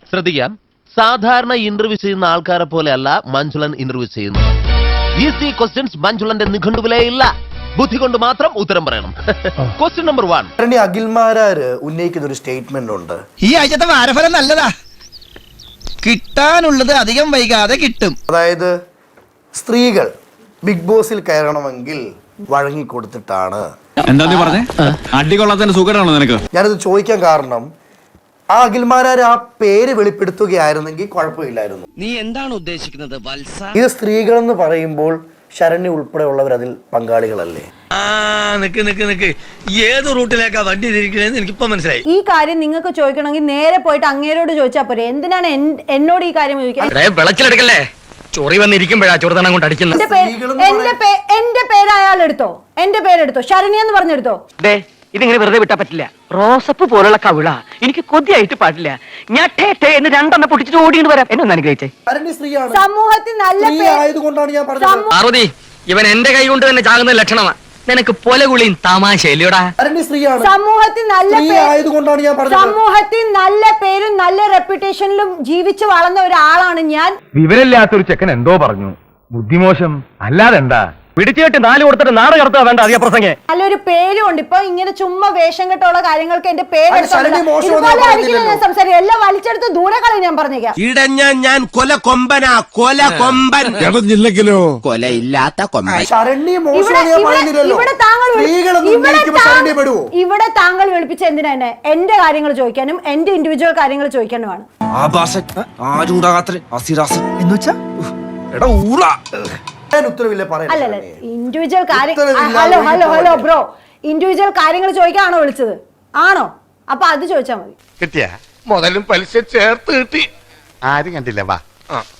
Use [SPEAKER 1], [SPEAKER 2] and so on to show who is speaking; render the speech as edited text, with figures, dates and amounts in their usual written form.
[SPEAKER 1] ശ്രദ്ധിക്കാം, സാധാരണ ഇന്റർവ്യൂ ചെയ്യുന്ന ആൾക്കാരെ പോലെയല്ല മഞ്ജുളൻ ഇന്റർവ്യൂ ചെയ്യുന്നത്. ഈസി ക്വസ്റ്റ്യൻസ് മഞ്ജുളന്റെ നിഘണ്ടുവിലേ ഇല്ല. ബുദ്ധി കൊണ്ട് മാത്രം ഉത്തരം പറയണം. Question number 1.
[SPEAKER 2] അഖിൽമാരാര് ഉന്നയിക്കുന്ന ഒരു സ്റ്റേറ്റ്മെന്റ് ഉണ്ട്.
[SPEAKER 3] ഈ ആഴ്ചത്തെ വാരഫലം നല്ലതാ, കിട്ടാനുള്ളത് അധികം വൈകാതെ കിട്ടും.
[SPEAKER 2] അതായത് സ്ത്രീകൾ ബിഗ് ബോസിൽ കയറണമെങ്കിൽ വഴങ്ങിക്കൊടുത്തിട്ടാണ്.
[SPEAKER 4] എന്താ നീ പറഞ്ഞേ? അടികൊള്ളാത്തതിന്റെ സുഖമാണോ നിനക്ക്?
[SPEAKER 2] ഞാനിത് ചോദിക്കാൻ കാരണം ആ അഖിൽമാരാര് ആ പേര് വെളിപ്പെടുത്തുകയായിരുന്നെങ്കിൽ കുഴപ്പമില്ലായിരുന്നു.
[SPEAKER 3] നീ എന്താണ് ഉദ്ദേശിക്കുന്നത് വത്സ?
[SPEAKER 2] ഇത് സ്ത്രീകളെന്ന് പറയുമ്പോൾ ശരണ്യ ഉൾപ്പെടെയുള്ളവർ അതിൽ പങ്കാളികളല്ലേ?
[SPEAKER 5] നിക്ക് ഏത് റൂട്ടിലേക്കാ വണ്ടി തിരിക്കണേന്ന് എനിക്കിപ്പോ മനസ്സിലായി.
[SPEAKER 6] ഈ കാര്യം നിങ്ങൾക്ക് ചോദിക്കണമെങ്കിൽ നേരെ പോയിട്ട് അങ്ങേരോട് ചോദിച്ചാൽ പോരെ. എന്തിനാണ് എന്നോട് ഈ കാര്യം ചോദിക്കുന്നത്?
[SPEAKER 5] വിളച്ചിലെടുക്കല്ലേ, ചൊറി വന്നിരിക്കുമ്പോഴാ ചൊറുതണം കൊണ്ട് അടിക്കുന്നത്.
[SPEAKER 6] എന്റെ പേര് അയാൾ എടുത്തോ, എന്റെ പേരെടുത്തോ, ശരണ്യ എന്ന് പറഞ്ഞെടുത്തോ.
[SPEAKER 7] ഇതിങ്ങനെ വെറുതെ വിട്ടാ പറ്റില്ല. റോസപ്പ് പോലുള്ള കവിള എനിക്ക് കൊതിയായിട്ട് പാടില്ല. ഞാൻ എന്ന് രണ്ടെണ്ണം പൊട്ടിച്ചിട്ട് ഓടിയിട്ട് വരാം. എന്നെ ഒന്ന് അനുഗ്രഹിച്ചേ.
[SPEAKER 6] സമൂഹത്തിൽ നല്ല
[SPEAKER 2] ആയതുകൊണ്ടാണ് ഞാൻ പറഞ്ഞത്.
[SPEAKER 5] പാർവതി, ഇവൻ എന്റെ കൈ കൊണ്ട് തന്നെ ചാകുന്ന ലക്ഷണമാ. നിനക്ക് പൊലകുളിയും തമാശയില്ലടാ.
[SPEAKER 6] സമൂഹത്തിൽ
[SPEAKER 2] ആയതുകൊണ്ടാണ് ഞാൻ പറഞ്ഞത്.
[SPEAKER 6] സമൂഹത്തിൽ നല്ല പേരും നല്ല റെപ്യൂട്ടേഷനിലും ജീവിച്ചു വളർന്ന ഒരാളാണ് ഞാൻ.
[SPEAKER 8] വിവരമില്ലാത്തൊരു ചെക്കൻ എന്തോ പറഞ്ഞു, ബുദ്ധിമോശം അല്ലാതെന്താ.
[SPEAKER 7] പിടിച്ചിട്ട് 4 കൊടുത്തിട്ട് നാട് കടത്താ വേണ്ട അധിക പ്രസംഗം.
[SPEAKER 6] നല്ലൊരു പേരും ഉണ്ട്. ഇപ്പൊ ഇങ്ങനെ ചുമ്മാ വേഷം കെട്ടുള്ള കാര്യങ്ങൾക്ക് എന്റെ പേരെടുത്ത് സംസാരിക്കും. എല്ലാം വലിച്ചെടുത്ത് ദൂരെ കളയും. ഞാൻ പറഞ്ഞേക്കാം,
[SPEAKER 5] ഇടഞ്ഞ ഞാൻ കൊല കൊമ്പനാ, കൊല കൊമ്പൻ.
[SPEAKER 4] ഇടഞ്ഞില്ലെങ്കിലോ
[SPEAKER 5] കൊലയില്ലാത്ത കൊമ്പൻ.
[SPEAKER 6] ഇവിടെ താങ്കൾ വിളിപ്പിച്ച എന്തിനാ എന്നെ? എന്റെ കാര്യങ്ങൾ ചോദിക്കാനും എന്റെ ഇൻഡിവിജ്വൽ കാര്യങ്ങൾ ചോദിക്കാനുമാണ്. അല്ലല്ല, ഇൻഡിവിജ്വൽ കാര്യം. ഹലോ ബ്രോ, ഇൻഡിവിജ്വൽ കാര്യങ്ങൾ ചോദിക്കാണോ വിളിച്ചത്? ആണോ? അപ്പൊ അത് ചോദിച്ചാ മതി.
[SPEAKER 8] കിട്ടിയ മുതലും പലിശ ചേർത്ത് കിട്ടി. ആരും കണ്ടില്ല. വാ.